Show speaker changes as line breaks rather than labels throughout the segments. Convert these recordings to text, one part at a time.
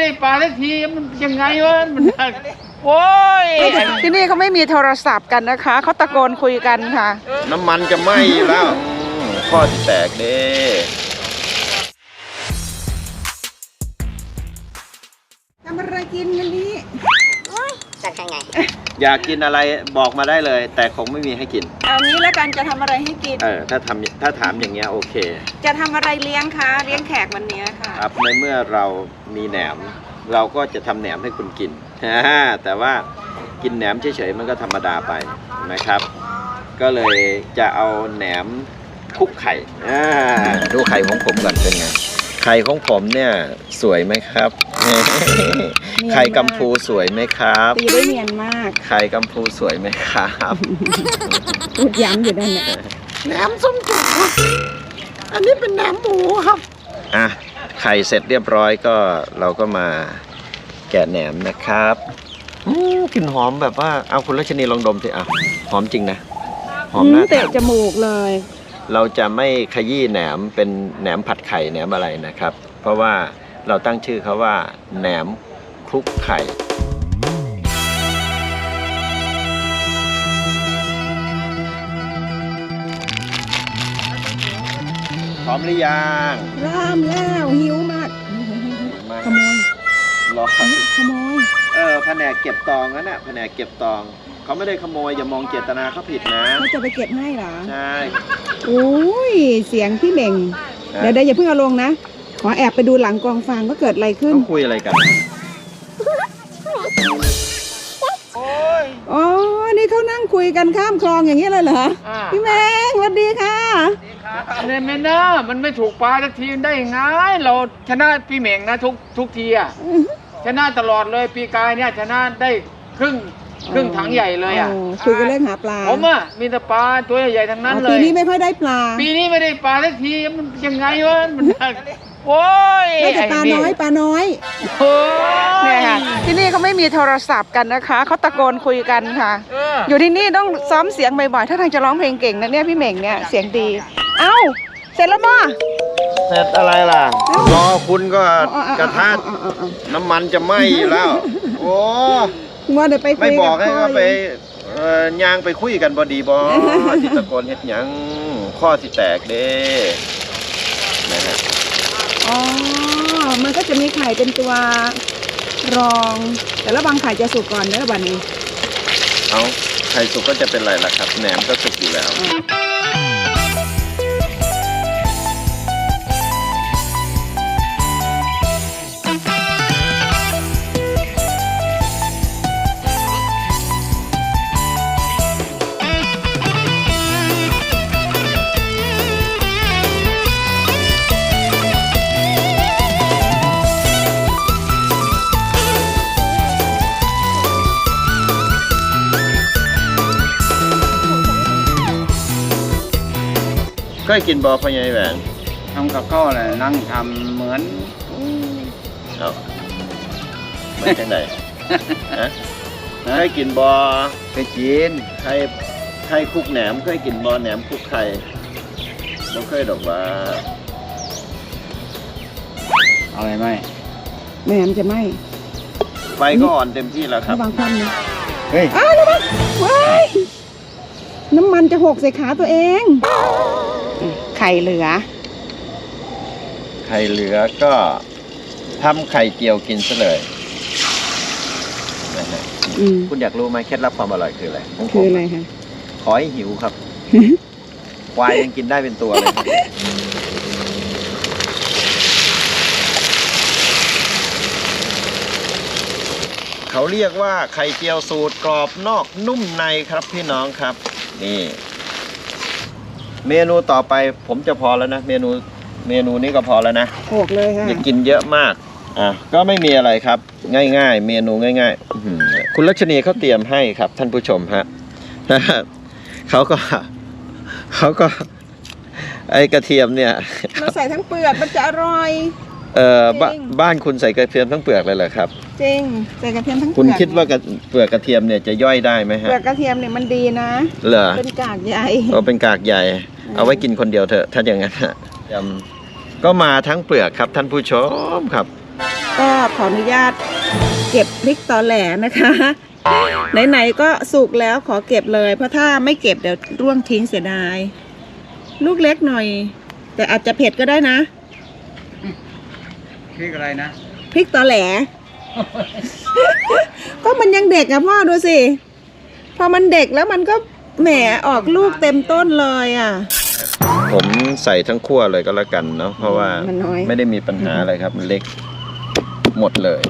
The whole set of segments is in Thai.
ปลาสักทีมันยังไงวะมันโอ้ย
ที่นี่เขาไม่มีโทรศัพท์กันนะคะเขาตะโกนคุยกันค่ะ
น้ำมันจะไหม้อยู่แล้วข้อที่แตกเด้
ทำอะไรกินวันนี้
จะใช่ไง
อยากกินอะไรบอกมาได้เลย แต่คงไม่มีให้กิน
เอางี้แล้วกันจะทำอะไรให้กิน
ถ้าถามอย่างเงี้ยโอเค
จะทำอะไรเลี้ยงคะเลี้ยงแขกวันนี้ค่ะ
ครับในเมื่อเรามีแหนมเราก็จะทำแหนมให้คุณกินแต่ว่ากินแหนมเฉยๆมันก็ธรรมดาไปนะครับก็เลยจะเอาแหนมคลุกไข่ดูไข่ของผมก่อนเป็นไงไข่ของผมเนี่ยสวยไหมครับไข่กัมพูสวยไหมครับ
ตีได้เนียนมาก
ไข่กัมพูสวยไหมครับ
พูดย้ำอยู่นั่นแหละ
แหนมส้มจุกอันนี้เป็นแหนมหมูครับไข่เสร็จเรียบร้อยก็เราก็มาแกะแหนมนะครับกลิ่นหอมแบบว่าเอาคุณรัชนีลองดมสิหอมจริงนะหอมน่าทาน
เตะจมูกเลย
เราจะไม่ขยี้แหนมเป็นแหนมผัดไข่แหนมอะไรนะครับเพราะว่าเราตั้งชื่อเขาว่าแหนมคลุกไข่พร้อมหรือยัง
เริ่มแล้วหิวมากขโมย
รอ
ขโมย
แผนกเก็บตองนั่นน่ะแผนกเก็บตองเขาไม่ได้ขโมยอย่ามองเจตนาเขาผิดนะ
เขาจะไปเก็บให้เหรอ
ใช่
โอ้ยเสียงพี่เม่งเดี๋ยวอย่าเพิ่งเอาลงนะขอแอบไปดูหลังกองฟางว่าเกิดอะไรขึ้น
เขาคุยอะไรกัน
อ๋อนี่เขานั่งคุยกันข้ามคลองอย่างนี้เลยเหรอพี่เม่งสวัสดีค่ะ
เนี่ยแม่นะมันไม่ถูกปลาสักทีได้ยังไงเราชนะพี่เม่งนะทุกทีชนะตลอดเลยปีกายเนี่ยชนะได้ครึ่งถังใหญ่เลย
คุยกันเรื่องหาปลา
ผมมีแต่ปลาตัวใหญ่ๆทั้งนั้นเลย
ปีนี้ไม่ค่อยได้ปลา
ปีนี้ไม่ได้ปลาสักทีมันยังไงวะมันโอ้ย
ได้แต่ปลาน้อยเนี่ยค่ะที่นี่เขาไม่มีโทรศัพท์กันนะคะเขาตะโกนคุยกันค่ะอยู่ที่นี่ต้องซ้อมเสียงบ่อยๆถ้าทางจะร้องเพลงเก่งนะเนี่ยพี่เม่งเนี่ยเสียงดีเอ้าเสร็จแล้วมั้ย
เสร็จอะไรล่ะรอคุณก็กระทะน้ำมันจะไหม้อยู่แล้วโอ้
ว่าเดี๋ยวไป
ไม่บอกให้ว่าไปยางไปคุยกันบอดีบอที่ตะโกนเฮ็ดหยังข้อที่แตกเด้นะฮะ
มันก็จะมีไข่เป็นตัวรองแต่ละบางไข่จะสุกก่อนนะบัดนี้
ไข่สุกก็จะเป็นไรล่ะครับแหนมก็สุกอยู่แล้วเคยกินบอพ่อใหญ่แหวน
ทำกับข้าวเลยนั่งทำเหมือน
เหมือนจังไหนเคยกินบอ
เคยกิน
ไข่คลุกแหนมเคยกินบอแหนมคลุกไข่บ่เคยดอกว่า
อะไรไหม
แหนมจะไหม
ไฟก็อ่อนเต็มที่แล้วครับ
บางคนนะเฮ้ยระวังน้ำมันจะหกใส่ขาตัวเองไข่เหลือ
ก็ทำไข่เจียวกินซะเลยนะฮะคุณอยากรู้ไหมเคล็ดลับความอร่อยคืออะไร
คืออะไรคะ
ขอให้หิวครับควายยังกินได้เป็นตัวเลยเขาเรียกว่าไข่เจียวสูตรกรอบนอกนุ่มในครับพี่น้องครับนี่เมนูต่อไปผมจะพอแล้วนะเมนูนี้ก็พอแล้วนะ
โขกเลยค่ะ
อย่ากินเยอะมากก็ไม่มีอะไรครับง่ายๆเมนูง่ายๆคุณรัชนีเขาเตรียมให้ครับท่านผู้ชมฮะเขาก็ไอกระเทียมเนี่ย
เราใส่ทั้งเปลือกมันจะอร่อย
บ้านคุณใส่กระเทียมทั้งเปลือกเลยเหรอครับ
จริงใส่กระเทียมทั้งเปลือก
คุณคิดว่าเปลือกกระเทียมเนี่ยจะย่อยได้ไหมฮะ
เปลือกกระเทียมเนี่ยมันดีนะ
เหรอ
เป็นกากใหญ่
เป็นกากใหญ่เอาไว้กินคนเดียวเถอะถ้าอย่างนั้นก็มาทั้งเปลือกครับท่านผู้ชมครับ
ก็ขออนุญาตเก็บพริกตอแหลนะคะ ไหนๆก็สุกแล้วขอเก็บเลย เพราะถ้าไม่เก็บเดี๋ยวร่วงทิ้งเสียดาย ลูกเล็กหน่อย แต่อาจจะเผ็ดก็ได้นะ
พริกอะไรนะ
พริกตอแหล ก็มันยังเด็กอะพ่อดูสิ พอมันเด็กแล้วมันก็แหมออกลูกเต็มต้นเลยอะ
ผมใส่ทั้งขั้วเลยก็แล้วกันเนาะเพราะว่า
มันน้อย
ไม่ได้มีปัญหาอะไรครับมันเล็กหมดเลย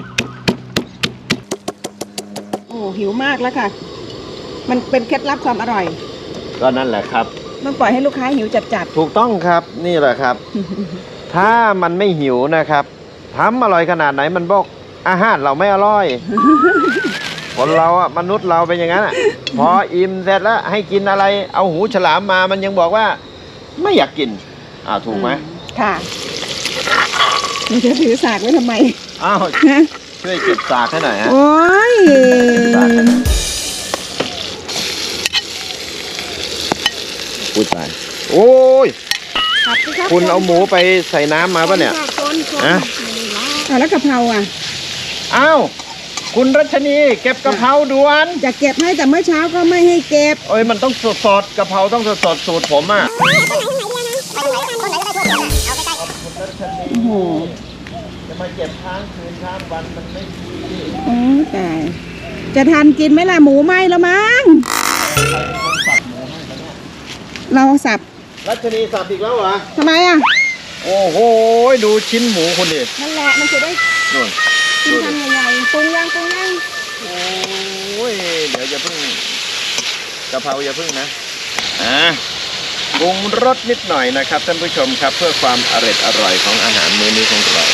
โอ้หิวมากแล้วค่ะ มันเป็นเคล็ดลับความอร่อย
ก็นั่นแหละครับ
ต้องปล่อยให้ลูกค้าหิวจัด
ถูกต้องครับนี่แหละครับ ถ้ามันไม่หิวนะครับทำอร่อยขนาดไหนมันบอกอาหารเราไม่อร่อย คนเราอะมนุษย์เราเป็นอย่างนั้นอะพออิ่มเสร็จแล้วให้กินอะไรเอาหูฉลามมามันยังบอกว่าไม่อยากกินถูกไหม
ค่ะเราจะถือสากไว้ทำไม
อ้าวช่วยเก็บสากให้หน่อยฮะ
โอ้ย
พูดไปโอ้ย
ผัดสิรับ
คุณเอาหมูไปใส่น้ำมาปะเนี่ย
คน
ฮะ
แล้วกะเพราอ่ะ
อ้าวคุณรัชนีเก็บกะเพราด่วน
จะเก็บให้แต่เมื่อเช้าก็ไม่ให้เก็บ
โอ้ยมันต้องสดๆกะเพราต้องสดๆสูตรผมอ่ะ
โอ้โห
จะมาเก็บค้างคืนค้างวันมันไม่ดี
โอ้ตายจะทันกินไหมล่ะหมูไหมแล้วมั้งเราสับ
รัชนีสับอีกแล้วเหรอ
ทำไมอ่ะ
โอ้โหดูชิ้นหมูคุณดิ
นั่นแหละมันจะได้
นู่น
กิ
ดู
น
ดิ
ทำใหญ่ๆปรุงย่าง
โอ้ยเดี๋ยวอย่าเพิ่งกะเพราอย่าเพิ่งนะปรุงรสนิดหน่อยนะครับท่านผู้ชมครับเพื่อความอร่อยของอาหารมื้อนี้ของเรา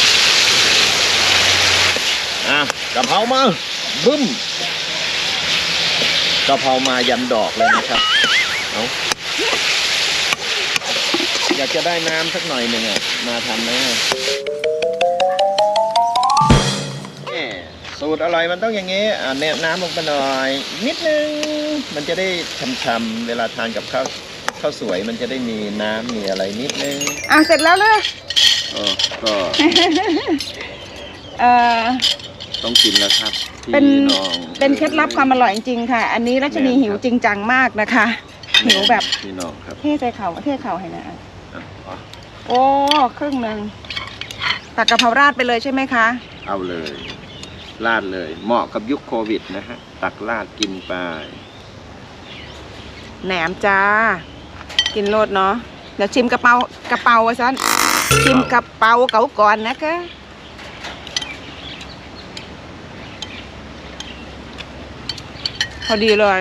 กะเพรามาบึ้มกะเพรามายันดอกเลยนะครับเอาอยากจะได้น้ำสักหน่อยหนึ่งมาทำไหมสูตรอร่อยมันต้องอย่างนี้แนบน้ำลงไปหน่อยนิดนึงมันจะได้ช่ำๆเวลาทานกับข้าวสวยมันจะได้มีน้ำมีอะไรนิดนึง
เสร็จแล้วเลย
ก็ ต้องกินแล้วครับ
เป็น
พี่น้อง
เป็นเคล็ดลับความอร่อยจริงๆค่ะ อันนี้รัชนีหิวจริงจังมากนะคะ หิวแบบ
พี่น้องครับ
เทใส่เข่าให้นะ
อ๋อ
โอ้ครึ่งหนึ่งตักกะเพราราดไปเลยใช่ไหมคะ
เอาเลยราดเลยเหมาะกับยุคโควิดนะฮะตักราดกินไป
แหนมจ้า กินโลดเนาะเดี๋ยวชิมกระเป๋าซะชิมกระเป๋าเก่าก่อนนะคะพอดีเลย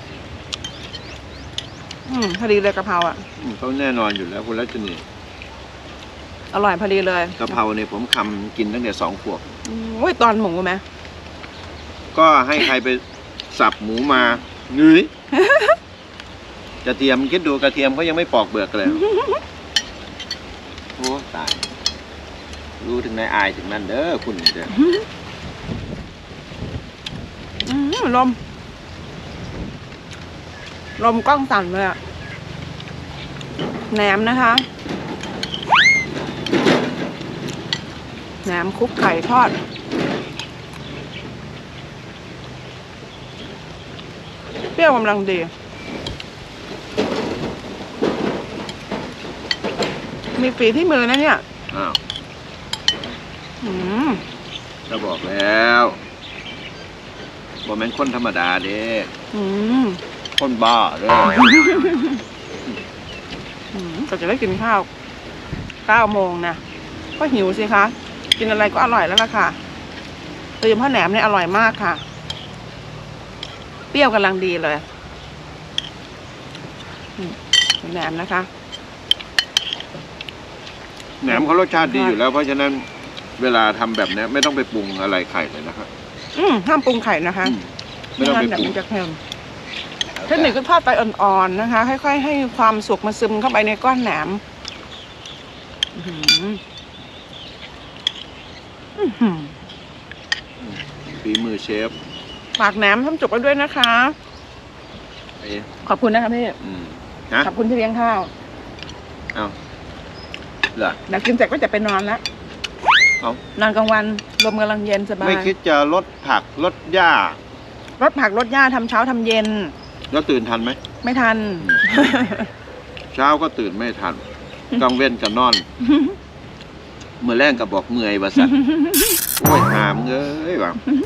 พอดีเลยกะเพราอ่ะ
เขาแน่นอนอยู่แล้วคุณรัชนี
อร่อยพอดีเลย
กะเพราเนี่ยผมคำกินตั้งแต่2 ขวบ
โอ้ยตอนหมูไหม
ก็ให้ใครไปสับหมูมาเนื้อกระเทียมคิดดูกระเทียมเขายังไม่ปอกเปลือกเลยโอ้ตายรู้ถึงในอายถึงนั่นเด้อคุณเด้อ
ลมกล้องสั่นเลยอะแหนมนะคะแหนมคลุกไข่ทอดเปรี้ยวกำลังดีมีฝีที่มือนะเนี่ย
อ้าว
ม
ก็บอกแล้วบอกแม่นคนธรรมดาเด้ คนบ้าเลย
ก็จะได้กินข้าว9 โมงนะก็หิวสิคะกินอะไรก็อร่อยแล้วล่ะค่ะโดยเฉพาะแหนมเนี่ยอร่อยมากค่ะเปรี้ยวกำลังดีเลยแหนมนะคะ
แหนมเขารสชาติดีอยู่แล้วเพราะฉะนั้นเวลาทำแบบนี้ไม่ต้องไปปรุงอะไรไข่เลยนะครับ
ห้ามปรุงไข่นะคะ
ไม่ต้องไป
งั้น
ปรุง
เดี๋ยวมันจะเค็มเทคนิคก็ทอดไปอ่อนๆนะคะ ค่อยๆให้ความสุกมาซึมเข้าไปในก้อนแหนม
ฝีมือเชฟ
ฝากแหนมทำจุกไว้ด้วยนะคะ ขอบคุณนะคะพี่
นะ
ขอบคุณที่เลี้ยงข้าว
เอาเหรอ
เดี๋ยวกินเสร็จก็จะไปนอนแล้ว
เอา
นอนกลางวันลมกำลังเย็นสบาย
ไม่คิดจะลดผักลดหญ้าร
ดผักรดหญ้าทำเช้าทำเย็น
แล้วตื่นทันไหม
ไม่ทัน
เช้าก็ตื่นไม่ทันกลางเว้นกับนอน เมื่อแรงก็บอกเมื่อยว่าสันโอ้ยหามเอ้ยว่ะ